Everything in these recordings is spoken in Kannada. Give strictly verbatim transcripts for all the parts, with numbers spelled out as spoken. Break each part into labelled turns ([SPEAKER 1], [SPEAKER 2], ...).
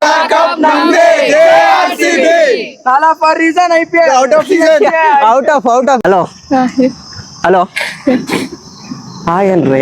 [SPEAKER 1] Tala for reason I P L out of season.
[SPEAKER 2] Out of out of hello hello hi ಅನ್ರಿ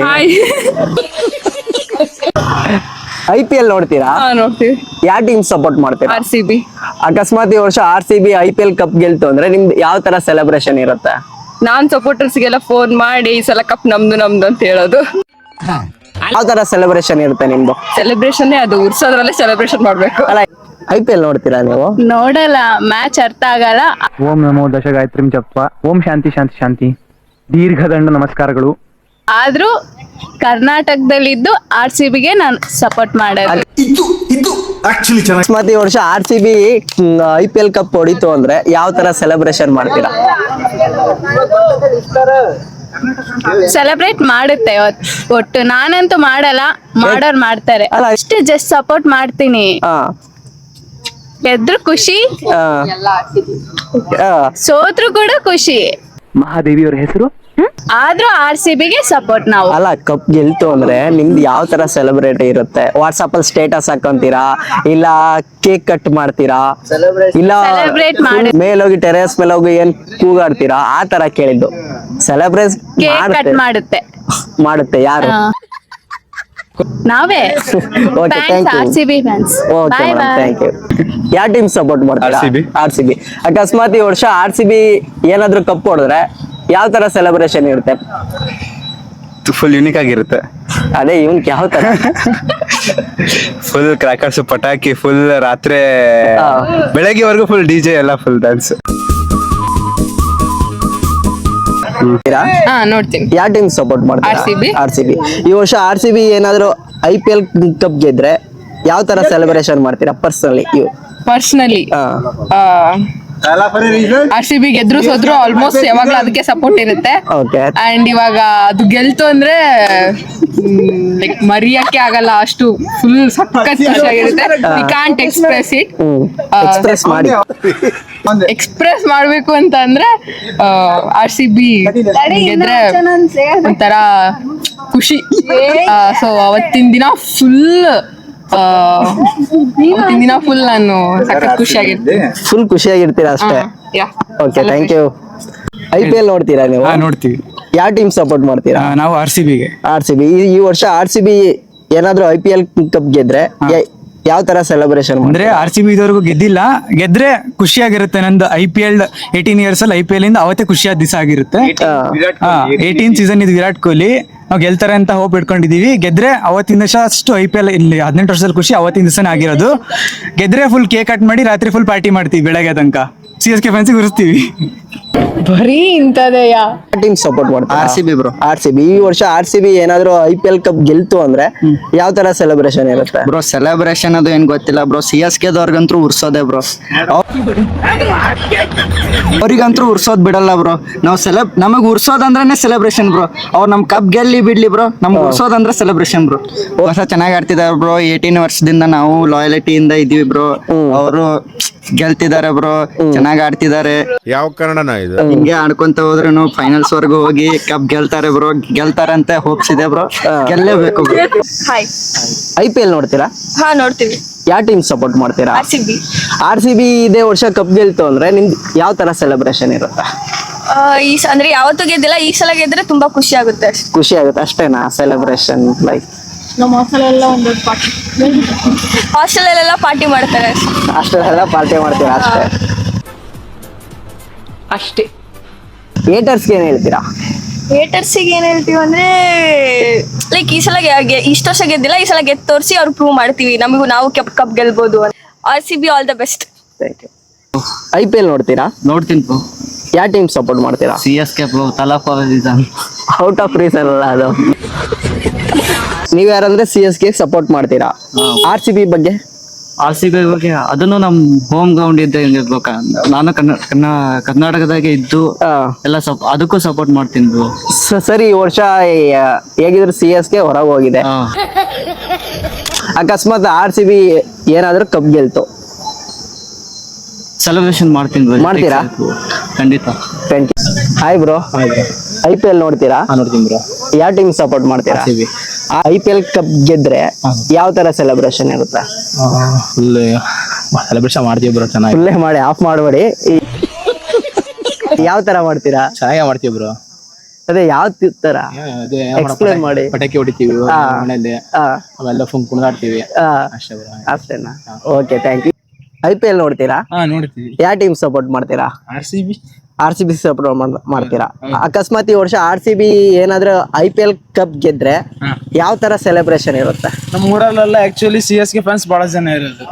[SPEAKER 2] ಐ ಪಿ ಎಲ್ ನೋಡ್ತೀರಾ?
[SPEAKER 3] ನೋಡ್ತೀವಿ.
[SPEAKER 2] ಯಾವ ಟೀಮ್ ಸಪೋರ್ಟ್ ಮಾಡ್ತೀರಾ?
[SPEAKER 3] R C B.
[SPEAKER 2] ಅಕಸ್ಮಾತ್ ಈ ವರ್ಷ R C B I P L cup ಗೆಲ್ತು ಅಂದ್ರೆ ನಿಮ್ದು ಯಾವ ತರ ಸೆಲೆಬ್ರೇಷನ್ ಇರುತ್ತೆ?
[SPEAKER 3] ನಾನ್ ಸಪೋರ್ಟರ್ಸ್ಗೆಲ್ಲ ಫೋನ್ ಮಾಡಿ ಈ ಸಲ ಕಪ್ ನಮ್ದು ನಮ್ದು ಅಂತ ಹೇಳೋದು.
[SPEAKER 2] ಯಾವ ತರ ಸೆಲೆಬ್ರೇಷನ್ ಇರುತ್ತೆ ನಿಮ್ದು?
[SPEAKER 3] ಸೆಲೆಬ್ರೇಷನ್ ಅದು ಉರ್ಸೋದ್ರಲ್ಲೇ ಸೆಲೆಬ್ರೇಷನ್ ಮಾಡ್ಬೇಕು.
[SPEAKER 2] ಅಲ್ಲ ಐ ಪಿ ಎಲ್ ನೋಡ್ತೀರಾ ನೀವು?
[SPEAKER 3] ನೋಡಲ್ಲ, ಮ್ಯಾಚ್ ಅರ್ಥ ಆಗಲ್ಲ.
[SPEAKER 4] ಓಂ ನಮೋ ದಶಗಾಯತ್ರಿಂ ಜಪ. ಓಂ ಶಾಂತಿ ಶಾಂತಿ ಶಾಂತಿ. ದೀರ್ಘದಂಡ ನಮಸ್ಕಾರಗಳು.
[SPEAKER 3] ಆದ್ರೂ ಕರ್ನಾಟಕದಲ್ಲಿದ್ದು ಆರ್ ಸಿ ಬಿಗೆ ನಾನು ಸಪೋರ್ಟ್ ಮಾಡೋದು.
[SPEAKER 2] ಅಕಸ್ಮಾತ್ ಈ ವರ್ಷ R C B I P L cup ಹೊಡಿತು ಅಂದ್ರೆ ಯಾವ ತರ ಸೆಲೆಬ್ರೇಷನ್ ಮಾಡ್ತೀರಾ?
[SPEAKER 3] ಸೆಲೆಬ್ರೇಟ್ ಮಾಡುತ್ತೆ ಒಟ್ಟು. ನಾನಂತೂ ಮಾಡಲ್ಲ, ಮಾಡೋರ್ ಮಾಡ್ತಾರೆ.
[SPEAKER 2] ಅಲ್ಲ,
[SPEAKER 3] ಅಷ್ಟೇ, ಜಸ್ಟ್ ಸಪೋರ್ಟ್ ಮಾಡ್ತೀನಿ.
[SPEAKER 2] ಹಾ
[SPEAKER 3] ಗೆದ್ರು ಖುಷಿ,
[SPEAKER 2] ಹಾ
[SPEAKER 3] ಸೋತ್ರು ಕೂಡ ಖುಷಿ.
[SPEAKER 4] ಮಹಾದೇವಿಯವರ ಹೆಸರು
[SPEAKER 3] ಆದ್ರೂ ಆರ್ ಸಿ ಬಿಗೆ ಸಪೋರ್ಟ್ ನಾವು.
[SPEAKER 2] ಅಲ್ಲ ಕಪ್ ಗೆಲ್ತು ಅಂದ್ರೆ ನಿಮ್ದು ಯಾವ ತರ ಸೆಲೆಬ್ರೇಟ್ ಇರುತ್ತೆ? ವಾಟ್ಸ್ಆಪ್ ಅಲ್ಲಿ ಸ್ಟೇಟಸ್ ಹಾಕೊಂತೀರಾ, ಇಲ್ಲ ಕೇಕ್ ಕಟ್ ಮಾಡ್ತೀರಾ, ಇಲ್ಲ
[SPEAKER 3] Celebrate ಮಾಡಿ.
[SPEAKER 2] ಮೇಲೋಗಿ ಟೆರೇಸ್ ಮೇಲೆ ಹೋಗಿ ಏನ್ ಕೂಗಾಡ್ತೀರಾ? ಆ ತರ ಕೇಳಿದ್ದು. ಸೆಲೆಬ್ರೇಟ್
[SPEAKER 3] ಕೇಕ್ ಕಟ್ ಮಾಡುತ್ತೆ
[SPEAKER 2] ಮಾಡುತ್ತೆ ಯಾರು?
[SPEAKER 3] ಆ, ನಾವೇ.
[SPEAKER 2] Okay thank you.
[SPEAKER 3] R C B fans.
[SPEAKER 2] Okay
[SPEAKER 3] bye bye.
[SPEAKER 2] Thank you. ಯಾವ ಟೀಮ್ ಸಪೋರ್ಟ್ ಮಾಡ್ತೀರಾ?
[SPEAKER 5] R C B.
[SPEAKER 2] R C B. ಅಕಸ್ಮಾತ್ ಈ ವರ್ಷ ಆರ್ ಸಿ ಬಿ ಏನಾದ್ರು ಕಪ್ ಹೊಡೆದ್ರೆ ಯಾವ ತರ ಸೆಲೆಬ್ರೇಷನ್ ಇರುತ್ತೆ?
[SPEAKER 5] ಫುಲ್ ಯುನಿಕ್ ಆಗಿರುತ್ತೆ.
[SPEAKER 2] ಅದೇ ಇವನ್ ಯಾವ ತರ?
[SPEAKER 5] ಫುಲ್ ಕ್ರಾಕರ್ಸ್, ಪಟಾಕಿ, ಫುಲ್ ರಾತ್ರಿ
[SPEAKER 2] ಹಾ.
[SPEAKER 5] ಬೆಳಗ್ಗೆವರೆಗೂ ಫುಲ್ ಡಿ ಜೆ ಎಲ್ಲ ಫುಲ್ ಡ್ಯಾನ್ಸ್.
[SPEAKER 3] ಹಾ, ನೋಡ್ತೀನಿ.
[SPEAKER 2] ಯಾವ ಟೀಮ್ ಸಪೋರ್ಟ್ ಮಾಡ್ತೀರಾ?
[SPEAKER 3] R C B.
[SPEAKER 2] R C B. ಈ ವರ್ಷ ಆರ್ ಸಿ ಬಿ ಏನಾದ್ರು ಐ ಪಿ ಎಲ್ ಕಪ್ ಗೆದ್ರೆ ಯಾವ ತರ ಸೆಲೆಬ್ರೇಷನ್ ಮಾಡ್ತೀರಾ ಪರ್ಸನಲಿ? ಇವು
[SPEAKER 3] ಪರ್ಸನಲಿ ಆರ್ ಸಿ ಬಿ ಗೆದ್ರು ಸೋದ್ರು ಆಲ್ಮೋಸ್ಟ್ ಯಾವಾಗ್ಲೂ ಅದಕ್ಕೆ ಸಪೋರ್ಟ್ ಇರುತ್ತೆ.
[SPEAKER 2] ಓಕೆ
[SPEAKER 3] ಅಂಡ್ ಇವಾಗ ಅದು ಗೆಲ್ತು ಅಂದ್ರೆ ಲೈಕ್ ಮರಿಯಕ್ಕೆ ಆಗಲ್ಲ, ಅಷ್ಟು ಫುಲ್ ಸಖತ್ ಖುಷಿಯಾಗಿರುತ್ತೆ. We can't express it.
[SPEAKER 2] Express ಮಾಡಿ.
[SPEAKER 3] ಎಕ್ಸ್ಪ್ರೆಸ್ ಮಾಡ್ಬೇಕು ಅಂತ ಅಂದ್ರೆ ಆರ್ ಸಿ ಬಿ ಗೆದ್ರೆ ಒಂಥರ ಖುಷಿ. ಸೊ ಅವತ್ತಿನ ದಿನ ಫುಲ್ ಅವತ್ತಿನ ದಿನ ಫುಲ್ ನಾನು ಸಖತ್ ಖುಷಿಯಾಗಿರ್ತೀನಿ.
[SPEAKER 2] ಫುಲ್ ಖುಷಿಯಾಗಿರ್ತೀರಾ ಅಷ್ಟೇ? Okay thank you. I P L ನೋಡ್ತೀರಾ ನೀವು?
[SPEAKER 4] ನೋಡ್ತೀವಿ.
[SPEAKER 2] ಯಾವ ಟೀಮ್ ಸಪೋರ್ಟ್ ಮಾಡ್ತೀರಾ?
[SPEAKER 4] ನಾವು ಆರ್ ಸಿ ಬಿಗೆ.
[SPEAKER 2] R C B. ಈ ವರ್ಷ ಆರ್ ಸಿ ಬಿ ಏನಾದ್ರು ಐ ಪಿ ಎಲ್ ಕಪ್ ಗೆದ್ರೆ ಯಾ- ಯಾವ ತರ ಸೆಲೆಬ್ರೇಷನ್
[SPEAKER 4] ಅಂದ್ರೆ ಆರ್ ಸಿ ಬಿ ಇದುವರೆಗೂ ಗೆದ್ದಿಲ್ಲ, ಗೆದ್ರೆ ಖುಷಿಯಾಗಿರುತ್ತೆ. ನಂದು I P L eighteen years ಅಲ್ಲಿ ಐ ಪಿ ಎಲ್ ಇಂದ ಅವತ್ತೇ ಖುಷಿಯಾದ ದಿವಸ ಆಗಿರುತ್ತೆ. ಏಟೀನ್ ಸೀಸನ್ ಇದು ವಿರಾಟ್ ಕೊಹ್ಲಿ, ನಾವು ಗೆಲ್ತಾರೆ ಅಂತ ಹೋಪ್ ಇಟ್ಕೊಂಡಿದೀವಿ. ಗೆದ್ರೆ ಅವತ್ತಿನ ದಿವಸ ಅಷ್ಟು ಐ ಪಿ ಎಲ್ ಇಲ್ಲಿ ಹದಿನೆಂಟು ವರ್ಷದಲ್ಲಿ ಖುಷಿ ಅವತ್ತಿನ ದಿವಸನೇ ಆಗಿರೋದು. ಗೆದ್ರೆ ಫುಲ್ ಕೇಕ್ ಕಟ್ ಮಾಡಿ ರಾತ್ರಿ ಫುಲ್ ಪಾರ್ಟಿ ಮಾಡ್ತೀವಿ ಬೆಳಗ್ಗೆ ತನಕ. ಸಿ ಎಸ್ ಕೆ ಫ್ಯಾನ್ಸಿಗೆ ಉರಿಸ್ತೀವಿ.
[SPEAKER 3] ಬರೀ ಇಂಥದೆಯಾ?
[SPEAKER 2] ಟೀಮ್ ಸಪೋರ್ಟ್ ಮಾಡ್ತೀರಾ?
[SPEAKER 5] R C B bro.
[SPEAKER 2] R C B. ಈ ವರ್ಷ ಆರ್ ಸಿ ಬಿ ಏನಾದ್ರು ಐ ಪಿ ಎಲ್ ಕಪ್ ಗೆಲ್ತು ಅಂದ್ರೆ ಯಾವ ತರ ಸೆಲೆಬ್ರೇಷನ್ ಇರುತ್ತೆ?
[SPEAKER 6] ಬ್ರೋ ಸೆಲೆಬ್ರೇಷನ್ ಅದು ಏನ್ ಗೊತ್ತಿಲ್ಲ ಬ್ರೋ. ಸಿ ಎಸ್ ಕೆ ದವ್ರಿಗಂತೂ ಉರ್ಸೋದೆ ಬ್ರೋ. ಅವ್ರಿಗಂತೂ ಉರ್ಸೋದ್ ಬಿಡಲ್ಲ ಬ್ರೋ. ನಾವು ಸೆಲೆಬ್ ನಮಗ್ ಉರ್ಸೋದಂದ್ರೆ ಸೆಲೆಬ್ರೇಷನ್ ಬ್ರೋ. ಅವ್ರು ನಮ್ ಕಪ್ ಗೆಲ್ಲಿ ಬಿಡ್ಲಿ ಬ್ರೋ, ನಮ್ಗೆ ಉರ್ಸೋದಂದ್ರೆ ಸೆಲೆಬ್ರೇಷನ್ ಬ್ರೋ. ಹೊಸ ಚೆನ್ನಾಗಿ ಆಡ್ತಿದಾರೆ ಬ್ರೋ. ಏಟೀನ್ ವರ್ಷದಿಂದ ನಾವು ಲಾಯಲಿಟಿಯಿಂದ ಇದೀವಿ ಬ್ರೋ. ಅವರು ಗೆಲ್ತಿದ್ದಾರೆ ಬ್ರೋ, ಚೆನ್ನಾಗಿ ಆಡ್ತಿದ್ದಾರೆ.
[SPEAKER 7] ಯಾವ ಕನ್ನಡನ ಇದು?
[SPEAKER 6] ಹಿಂಗೆ ಆಡ್ಕೊಂತ ಹೋದ್ರೆ ಫೈನಲ್ಸ್ ವರ್ಗು ಹೋಗಿ ಕಪ್ ಗೆಲ್ತಾರೆ ಬ್ರೋ. ಗೆಲ್ತಾರಂತ ಹೋಪ್ಸ್ ಇದೆ ಬ್ರೋ. ಗೆಲ್ಲೇಬೇಕು bro.
[SPEAKER 3] Hi.
[SPEAKER 2] I P L ನೋಡ್ತೀರಾ?
[SPEAKER 3] ಹಾ, ನೋಡ್ತೀವಿ.
[SPEAKER 2] ಯಾವ ಟೀಮ್ ಸಪೋರ್ಟ್ ಮಾಡ್ತೀರಾ?
[SPEAKER 3] R C B.
[SPEAKER 2] R C B ಇದೇ ವರ್ಷ ಕಪ್ ಗೆಲ್ತು ಅಂದ್ರೆ ನಿಮ್ದು ಯಾವ ತರ ಸೆಲೆಬ್ರೇಷನ್ ಇರುತ್ತೆ?
[SPEAKER 8] ಈ ಸ- ಅಂದ್ರೆ ಯಾವತ್ತೂ ಗೆದ್ದಿಲ್ಲ, ಈ ಸಲ ಗೆದ್ರೆ ತುಂಬಾ ಖುಷಿ ಆಗುತ್ತೆ ಅಷ್ಟೇ.
[SPEAKER 2] ಖುಷಿ ಆಗುತ್ತೆ ಅಷ್ಟೇನಾ ಸೆಲೆಬ್ರೇಷನ್? ಲೈಕ್
[SPEAKER 8] ಹಾಸ್ಟೆಲ್ ಪಾರ್ಟಿ ಮಾಡ್ತಾರೆ ಅಷ್ಟೇ.
[SPEAKER 2] ಅಷ್ಟೆಲ್ಲ ಪಾರ್ಟಿ ಮಾಡ್ತೀರಾ ಅಷ್ಟೇ?
[SPEAKER 3] ಅಷ್ಟೇ.
[SPEAKER 2] ಏಟರ್ಸ್ಗೆ ಏನ್ ಹೇಳ್ತೀರಾ?
[SPEAKER 8] ಹೇಟರ್ಸಿಗೆ ಏನ್ ಹೇಳ್ತೀವಿ ಅಂದ್ರೆ ಲೈಕ್ ಈ ಸಲ ಗೆ- ಗೆ- ಇಷ್ಟು ವರ್ಷ ಗೆದ್ದಿಲ್ಲ, ಈ ಸಲ ಗೆದ್ದು ತೋರಿಸಿ ಅವ್ರು ಪ್ರೂವ್ ಮಾಡ್ತೀವಿ ನಮಗೂ ನಾವು ಕಪ್ ಕಪ್ ಗೆಲ್ಬಹುದು. R C B all the best.
[SPEAKER 2] Thank you. I P L ನೋಡ್ತೀರಾ?
[SPEAKER 6] ನೋಡ್ತೀನಿ ಬ್ರೋ.
[SPEAKER 2] ಯಾವ ಟೀಮ್ ಸಪೋರ್ಟ್ ಮಾಡ್ತೀರಾ?
[SPEAKER 6] C S K bro. Thala for reason.
[SPEAKER 2] Out of reason ಅಲ್ಲ ಅದು. ನೀವ್ ಯಾರಂದ್ರೆ ಸಿ ಎಸ್ ಗೆ ಸಪೋರ್ಟ್ ಮಾಡ್ತೀರಾ? ಆರ್ ಸಿ ಬಿ ಬಗ್ಗೆ?
[SPEAKER 6] ಆರ್ ಸಿ ಬಿ ಬಗ್ಗೆ ಅದನ್ನು ನಮ್ ಹೋಮ್ ಗ್ರೌಂಡ್ ಇದ್ದ ಇರ್ಬೇಕ. ನಾನು ಕನ್ನ ಕನ್ನ- ಕರ್ನಾಟಕದಾಗೆ ಇದ್ದು
[SPEAKER 2] ಆ,
[SPEAKER 6] ಎಲ್ಲ ಸಪ್ ಅದಕ್ಕೂ ಸಪೋರ್ಟ್ ಮಾಡ್ತೀನಿ ಬ್ರೋ.
[SPEAKER 2] ಸ- ಸರಿ ಈ ವರ್ಷ ಆ, ಹೇಗಿದ್ರು ಸಿ ಎಸ್ ಗೆ ಹೊರಗೆ ಹೋಗಿದೆ.
[SPEAKER 6] ಹಾ.
[SPEAKER 2] ಅಕಸ್ಮಾತ್ ಆರ್ ಸಿ ಬಿ ಏನಾದ್ರೂ ಕಪ್ ಗೆಲ್ತು
[SPEAKER 6] ಸೆಲೆಬ್ರೇಷನ್ ಮಾಡ್ತೀನಿ ಬ್ರೋ.
[SPEAKER 2] ಮಾಡ್ತೀರಾ?
[SPEAKER 6] ಖಂಡಿತ.
[SPEAKER 2] Hi bro. I P L ನೋಡ್ತೀರಾ?
[SPEAKER 1] ನೋಡ್ತೀನಿ ಬ್ರೋ.
[SPEAKER 2] ಯಾವ ಟೀಮ್ ಸಪೋರ್ಟ್ ಮಾಡ್ತೀರಾ? ಐ ಪಿ ಎಲ್ ಕಪ್ ಗೆದ್ರೆ ಯಾವ ತರ ಸೆಲೆಬ್ರೇಷನ್ ಇರುತ್ತೆ?
[SPEAKER 1] ಫುಲ್ ಸೆಲೆಬ್ರೇಷನ್ ಮಾಡ್ತೀವಿ ಬ್ರೋ. ಚೆನ್ನಾಗಿ
[SPEAKER 2] ಫುಲ್ಲೇ ಮಾಡಿ ಆಫ್ ಮಾಡಬೇಡಿ. ಯಾವ ತರ ಮಾಡ್ತೀರಾ?
[SPEAKER 1] ಚೆನ್ನಾಗಿ ಮಾಡ್ತೀವಿ ಬ್ರೋ.
[SPEAKER 2] ಅದೇ ಯಾವ ತರ
[SPEAKER 1] ಅದೇ
[SPEAKER 2] ಎಕ್ಸ್ಪ್ಲೇನ್ ಮಾಡಿ.
[SPEAKER 1] ಪಟಾಕಿ ಹೊಡಿತೀವಿ ಮನೆಯಲ್ಲಿ,
[SPEAKER 2] ಹಾ
[SPEAKER 1] ಅವೆಲ್ಲ ಫುಲ್ ಕುಣಿದಾಡ್ತೀವಿ
[SPEAKER 2] ಹಾ
[SPEAKER 1] ಅಷ್ಟೇ ಬ್ರೋ.
[SPEAKER 2] ಅಷ್ಟೇನಾ? Okay, thank you. I P L ನೋಡ್ತೀರಾ?
[SPEAKER 1] ಹಾ ನೋಡ್ತೀವಿ.
[SPEAKER 2] ಯಾವ ಟೀಮ್ ಸಪೋರ್ಟ್ ಮಾಡ್ತೀರಾ?
[SPEAKER 1] R C B.
[SPEAKER 2] R C B support ಮಾಡ್ತೀರಾ? ಅಕಸ್ಮಾತ್ ಈ ವರ್ಷ ಆರ್ ಸಿ ಬಿ ಏನಾದ್ರೂ ಐ ಪಿ ಎಲ್ ಕಪ್ ಗೆದ್ರೆ ಯಾವ ತರ ಸೆಲೆಬ್ರೇಷನ್ ಇರುತ್ತೆ?
[SPEAKER 1] ನಮ್ಮ ಊರಲ್ಲೆಲ್ಲ actually C S K fans ಬಹಳ ಜನ ಇರೋದು.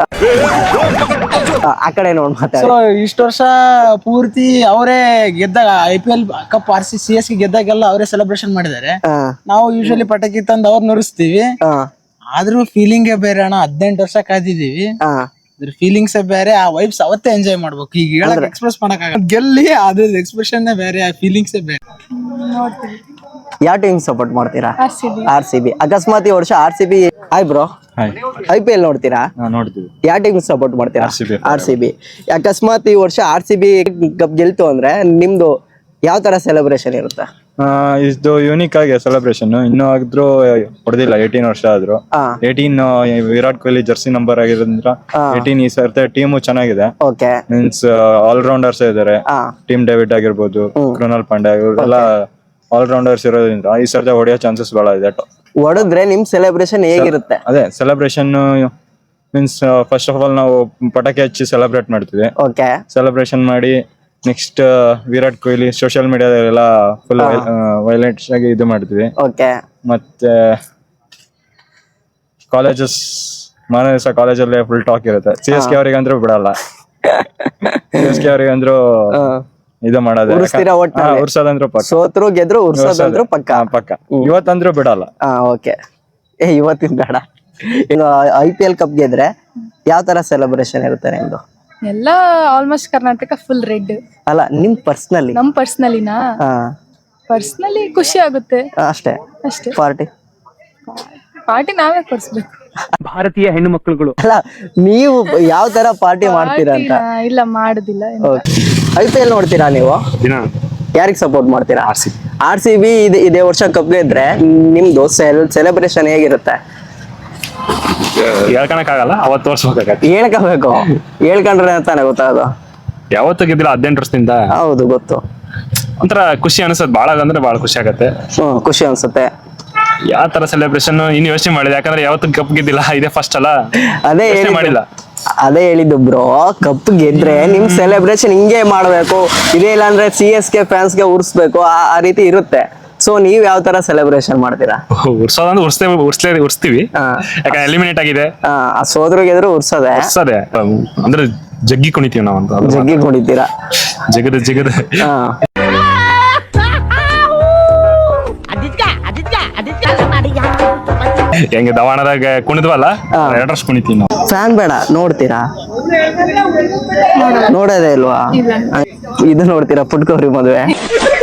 [SPEAKER 2] ಆ ಕಡೆ ನೋಡ್ ಮಾತಾಡಿ.
[SPEAKER 1] ಸೊ ಇಷ್ಟು ವರ್ಷ ಪೂರ್ತಿ ಅವರೇ ಗೆದ್ದಾಗ I P L cup R C C S ಗೆ ಗೆದ್ದಾಗೆಲ್ಲ ಅವರೇ ಸೆಲೆಬ್ರೇಷನ್ ಮಾಡಿದ್ದಾರೆ.
[SPEAKER 2] ಹಾ
[SPEAKER 1] ನಾವು ಯೂಶಲಿ ಪಟಾಕಿ ತಂದು ಅವ್ರು ನುರಿಸ್ತೀವಿ.
[SPEAKER 2] ಹಾ
[SPEAKER 1] ಆದ್ರೂ ಫೀಲಿಂಗೇ ಬೇರೆ ಅಣ್ಣ. ಹದಿನೆಂಟು ವರ್ಷ ಕಾದಿದೀವಿ.
[SPEAKER 2] ಹಾ
[SPEAKER 1] ಅದ್ರ ಫೀಲಿಂಗ್ಸ್ ಬೇರೆ, ಆ ವೈಬ್ಸ್ ಅವತ್ತೇ ಎಂಜಾಯ್ ಮಾಡ್ಬೇಕು. ಈಗ ಹೇಳಕ್ ಎಕ್ಸ್ಪ್ರೆಸ್ ಮಾಡಕ್ ಆಗಲ್ಲ. ಗೆಲ್ಲಿ ಅದ್ರ ಎಕ್ಸ್ಪ್ರೆಷನ್ ಬೇರೆ, ಆ ಫೀಲಿಂಗ್ಸ್ ಬೇರೆ.
[SPEAKER 2] ಯಾವ ಟೀಮ್ ಸಪೋರ್ಟ್ ಮಾಡ್ತೀರಾ? R C B. ಅಕಸ್ಮಾತ್ ಈ ವರ್ಷ R C B hi bro I P L ನೋಡ್ತೀರಾ?
[SPEAKER 5] ನೋಡ್ತೀವಿ.
[SPEAKER 2] ಯಾವ ಟೀಮ್ ಸಪೋರ್ಟ್ ಮಾಡ್ತೀರಾ?
[SPEAKER 5] R C B.
[SPEAKER 2] R C B. ಅಕಸ್ಮಾತ್ ಈ ವರ್ಷ ಆರ್ ಸಿ ಬಿ ಕಪ್ ಗೆಲ್ತು ಅಂದ್ರೆ ನಿಮ್ದು ಯಾವ ತರ ಸೆಲೆಬ್ರೇಷನ್ ಇರುತ್ತೆ?
[SPEAKER 5] ಇದು ಯೂನಿಕ್ ಆಗಿ ಸೆಲೆಬ್ರೇಷನ್. ಇನ್ನೂ ಆದ್ರೂ ಹೊಡೆದಿಲ್ಲ, ಏಟೀನ್ ವರ್ಷ ಆದ್ರು.
[SPEAKER 2] ಹಾ
[SPEAKER 5] eighteen Virat Kohli jersey number ಆಗಿರೋದ್ರಿಂದ ಏಟೀನ್ ಈ ಸರ್ತಿ ಟೀಮು ಚೆನ್ನಾಗಿದೆ.
[SPEAKER 2] ಓಕೆ.
[SPEAKER 5] ಮೀನ್ಸ್ ಆಲ್ ರೌಂಡರ್ಸ್ ಇದಾರೆ.
[SPEAKER 2] ಹಾ
[SPEAKER 5] ಟೀಮ್ ಡೇವಿಡ್ ಆಗಿರ್ಬೋದು, ಕೃಣಾಲ್ ಪಾಂಡ್ಯ, ಇವರೆಲ್ಲ ಆಲ್ ರೌಂಡರ್ಸ್ ಇರೋದ್ರಿಂದ ಈ ಸರ್ತಿ ಹೊಡೆಯೋ ಚಾನ್ಸಸ್ ಬಹಳ ಇದೆ.
[SPEAKER 2] ಹೊಡೆದ್ರೆ ನಿಮ್ ಸೆಲೆಬ್ರೇಷನ್ ಹೇಗಿರುತ್ತೆ?
[SPEAKER 5] ಅದೇ celebration means first of all ನಾವು ಪಟಾಕಿ ಹಚ್ಚಿ ಸೆಲೆಬ್ರೇಟ್ ಮಾಡ್ತೀವಿ.
[SPEAKER 2] ಓಕೆ.
[SPEAKER 5] ಸೆಲೆಬ್ರೇಷನ್ ಮಾಡಿ ನೆಕ್ಸ್ಟ್ ವಿರಾಟ್ ಕೊಹ್ಲಿ ಸೋಷಿಯಲ್ ಮೀಡಿಯಾದಲ್ಲೆಲ್ಲ ಫುಲ್ ವೈಲೆಂಟ್ಸ್ ಆಗಿ ಇದು ಮಾಡ್ತೀವಿ.
[SPEAKER 2] ಓಕೆ.
[SPEAKER 5] ಮತ್ತೆ ಕಾಲೇಜಸ್ ಮಾನ ದಿವಸ ಕಾಲೇಜಲ್ಲೇ ಫುಲ್ ಟಾಕ್ ಇರುತ್ತೆ. ಸಿ ಎಸ್ ಕೆ ಅವ್ರಿಗೆ ಅಂದ್ರೂ ಬಿಡಲ್ಲ. ಸಿ ಎಸ್ ಕೆ ಅವ್ರಿಗೆ ಅಂದ್ರು ಇದು ಮಾಡೋದು
[SPEAKER 2] ಉರ್ಸ್ತೀರಾ ಒಟ್ನಲ್ಲಿ?
[SPEAKER 5] ಉರ್ಸೋದಂದ್ರು ಪಕ್ಕ.
[SPEAKER 2] ಸೋತ್ರು ಗೆದ್ರು ಉರ್ಸೋದಂದ್ರು ಪಕ್ಕ.
[SPEAKER 5] ಹಾ, ಪಕ್ಕ. ಇವತ್ತಂದ್ರು ಬಿಡಲ್ಲ.
[SPEAKER 2] ಹಾ ಓಕೆ. ಏ ಇವತ್ತಿನ ಬೇಡ. ಈಗ ಐ ಪಿ ಎಲ್ ಕಪ್ ಗೆದ್ರೆ ಯಾವ ತರ ಸೆಲೆಬ್ರೇಷನ್ ಇರುತ್ತೆ ನಿಮ್ದು?
[SPEAKER 3] ಎಲ್ಲ ಆಲ್ಮೋಸ್ಟ್ ಕರ್ನಾಟಕ ಫುಲ್ ರೆಡ್.
[SPEAKER 2] ಅಲ್ಲ ನಿಮ್ ಪರ್ಸನಲಿ?
[SPEAKER 3] ನಮ್ ಪರ್ಸ್ನಲಿನಾ?
[SPEAKER 2] ಹಾ
[SPEAKER 3] ಪರ್ಸ್ನಲಿ ಖುಷಿ ಆಗುತ್ತೆ
[SPEAKER 2] ಅಷ್ಟೇ.
[SPEAKER 3] ಅಷ್ಟೇ.
[SPEAKER 2] ಪಾರ್ಟಿ
[SPEAKER 3] ಪಾರ್ಟಿ ನಾವೇ ಕೊಡ್ಸ್ಬೇಕು.
[SPEAKER 4] ಭಾರತೀಯ ಹೆಣ್ಣು ಮಕ್ಕಳುಗಳು.
[SPEAKER 2] ಅಲ್ಲ ನೀವು ಯಾವ ತರ ಪಾರ್ಟಿ ಮಾಡ್ತೀರಾ ಅಂತ?
[SPEAKER 3] ಪಾರ್ಟಿನಾ? ಇಲ್ಲ ಮಾಡುದಿಲ್ಲ.
[SPEAKER 2] ಐ ಪಿ ಎಲ್ ನೋಡ್ತೀರಾ ನೀವು? ಯಾರಿಗೆ ಸಪೋರ್ಟ್ ಮಾಡ್ತೀರಾ? R C B. R C B ಇದೇ ವರ್ಷ ಕಪ್ ಗೆದ್ರೆ ನಿಮ್ದು ಸೆಲೆಬ್ರೇಷನ್ ಹೇಗಿರುತ್ತೆ?
[SPEAKER 7] ಹೇಳ್ಕೊಳಕ್ಕಾಗಲ್ಲ, ಅವತ್ತು ತೋರ್ಸ್ಬೇಕಾಗತ್ತೆ.
[SPEAKER 2] ಹೇಳ್ಕೋಬೇಕು. ಹೇಳ್ಕೊಂಡ್ರೆ ತಾನೇ ಗೊತ್ತಾಗೋದು.
[SPEAKER 7] ಯಾವತ್ತು ಗೆದ್ದಿಲ್ಲ ಹದಿನೆಂಟು ವರ್ಷದಿಂದ.
[SPEAKER 2] ಹೌದು ಗೊತ್ತು.
[SPEAKER 7] ಒಂಥರ ಖುಷಿ ಅನ್ಸತ್, ಬಾಳ ಅಂದ್ರೆ ಬಾಳ ಖುಷಿ ಆಗತ್ತೆ.
[SPEAKER 2] ಹ್ಮ್ ಖುಷಿ ಅನ್ಸುತ್ತೆ.
[SPEAKER 7] ಯಾವ ತರ ಸೆಲೆಬ್ರೇಷನ್ ಇನ್ನು ಯೋಚನೆ ಮಾಡಿದೆ, ಯಾಕಂದ್ರೆ ಯಾವತ್ತು ಕಪ್ ಗೆದ್ದಿಲ್ಲ, ಇದೇ ಫಸ್ಟ್ ಅಲ್ಲ.
[SPEAKER 2] ಅದೇ
[SPEAKER 7] ಯೋಚ್ನೆ ಮಾಡಿಲ್ಲ.
[SPEAKER 2] ಅದೇ ಹೇಳಿದ್ದು ಬ್ರೋ, ಕಪ್ ಗೆದ್ರೆ ನಿಮ್ ಸೆಲೆಬ್ರೇಷನ್ ಹಿಂಗೆ ಮಾಡ್ಬೇಕು, ಇದೇ ಇಲ್ಲ ಅಂದ್ರೆ ಸಿ ಎಸ್ ಕೆ ಫ್ಯಾನ್ಸ್ ಗೆ ಉರ್ಸ್ಬೇಕು, ಆ ರೀತಿ ಇರುತ್ತೆ. ಸೊ ನೀವ್ ಯಾವ ತರ ಸೆಲೆಬ್ರೇಷನ್ ಮಾಡ್ತೀರಾ?
[SPEAKER 7] ಉರ್ಸೋದಂದ್ರೆ ಉರ್ಸ್ತೇವೆ, ಉರ್ಸ್ಲೇ ಉರ್ಸ್ತೀವಿ. ಯಾಕಂದ್ರೆ ಎಲಿಮಿನೇಟ್ ಆಗಿದೆ.
[SPEAKER 2] ಸೋದ್ರು ಗೆದ್ರು ಉರ್ಸೋದೆ.
[SPEAKER 7] ಉರ್ಸೋದೆ ಅಂದ್ರೆ ಜಗ್ಗಿ ಕುಣಿತೀವಿ ನಾವಂತ.
[SPEAKER 2] ಜಗ್ಗಿ ಕುಣಿತೀರಾ?
[SPEAKER 7] ಜಗದ ಜಗದ ಹೆಂಗೆ ದವಾಣದಾಗ ಕುಣಿದ್ವಲ್ಲ, ಎರಡರಷ್ಟು ಕುಣಿತೀವಿ ನಾವು.
[SPEAKER 2] ಫ್ಯಾನ್ ಬೇಡ, ನೋಡ್ತೀರಾ? ನೋಡೋದೇ ಇಲ್ವಾ? ಇದು ನೋಡ್ತೀರಾ ಪುಟ್ಕೋರಿ ಮದುವೆ?